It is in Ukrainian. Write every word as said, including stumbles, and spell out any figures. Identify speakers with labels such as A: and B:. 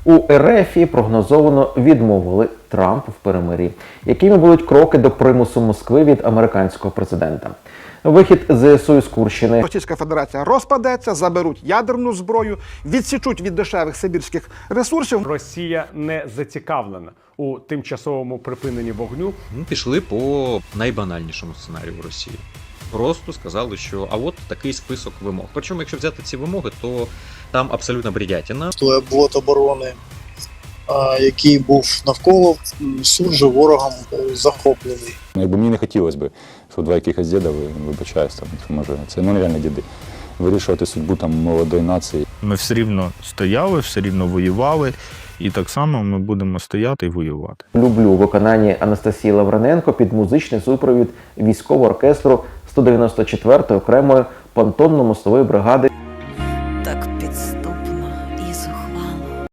A: У РФ прогнозовано відмовили Трампу в перемир'ї. Якими будуть кроки до примусу Москви від американського президента? Вихід ЗСУ із Курщини.
B: Російська Федерація розпадеться, заберуть ядерну зброю, відсічуть від дешевих сибірських ресурсів.
C: Росія не зацікавлена у тимчасовому припиненні вогню.
D: Ну, пішли по найбанальнішому сценарію в Росії. Просто сказали, що а от такий список вимог. Причому, якщо взяти ці вимоги, то там абсолютно бредятина.
E: Той блок оборони, який був навколо, суджу ворогом захоплений.
F: Якби мені не хотілося б, щоб два якихось діда, вибачаюсь, там, може, це ну, нереально діди, вирішувати судьбу там молодої нації.
G: Ми все рівно стояли, все рівно воювали, і так само ми будемо стояти і воювати.
A: Люблю у виконанні Анастасії Лавриненко під музичний супровід військового оркестру сто дев'яносто четвертої окремої понтонно-мостової бригади.